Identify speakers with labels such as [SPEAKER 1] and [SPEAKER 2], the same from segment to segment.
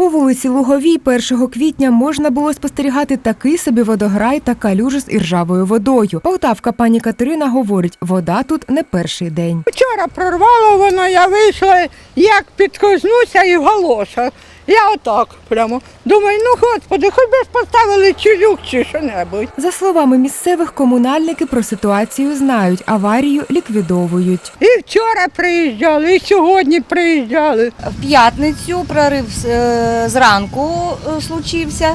[SPEAKER 1] По вулиці Луговій 1 квітня можна було спостерігати такий собі водограй та калюжу з іржавою водою. Полтавка пані Катерина говорить, вода тут не перший день.
[SPEAKER 2] Вчора прорвало воно, я вийшла, як підкознуся і в галошах. Я отак прямо. Думаю, ну господи, хоч би ж поставили чулюк чи що-небудь.
[SPEAKER 1] За словами місцевих, комунальники про ситуацію знають, аварію ліквідовують.
[SPEAKER 2] І вчора приїжджали, і сьогодні приїжджали.
[SPEAKER 3] В п'ятницю прорив зранку случився.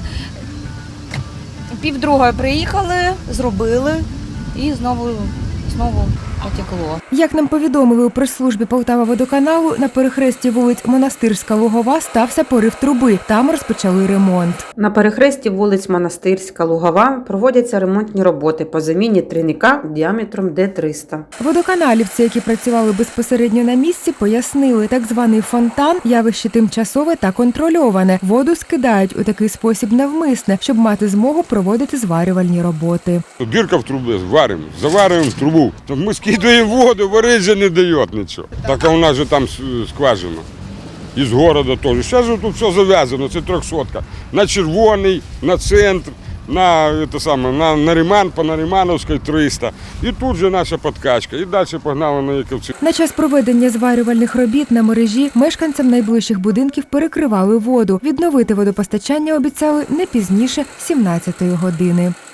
[SPEAKER 3] 1:30 приїхали, зробили і знову потекло.
[SPEAKER 1] Як нам повідомили у прес-службі Полтававодоканалу, на перехресті вулиць Монастирська, Лугова стався порив труби. Там розпочали ремонт.
[SPEAKER 4] На перехресті вулиць Монастирська, Лугова проводяться ремонтні роботи по заміні трійника діаметром Д-300.
[SPEAKER 1] Водоканалівці, які працювали безпосередньо на місці, пояснили, так званий фонтан – явище тимчасове та контрольоване. Воду скидають у такий спосіб навмисне, щоб мати змогу проводити зварювальні роботи.
[SPEAKER 5] Дирка в трубі, варимо, заварюємо трубу. Так ми скидаємо воду, варити же не дає нічого. Так а у нас же там скважина. Із міста теж. Зараз тут все зав'язано, це 300-ка. На Червоний, на центр, на Риман, по Наримановській 300. І тут же наша подкачка. І далі погнали на Яковці.
[SPEAKER 1] На час проведення зварювальних робіт на мережі мешканцям найближчих будинків перекривали воду. Відновити водопостачання обіцяли не пізніше 17-ї години.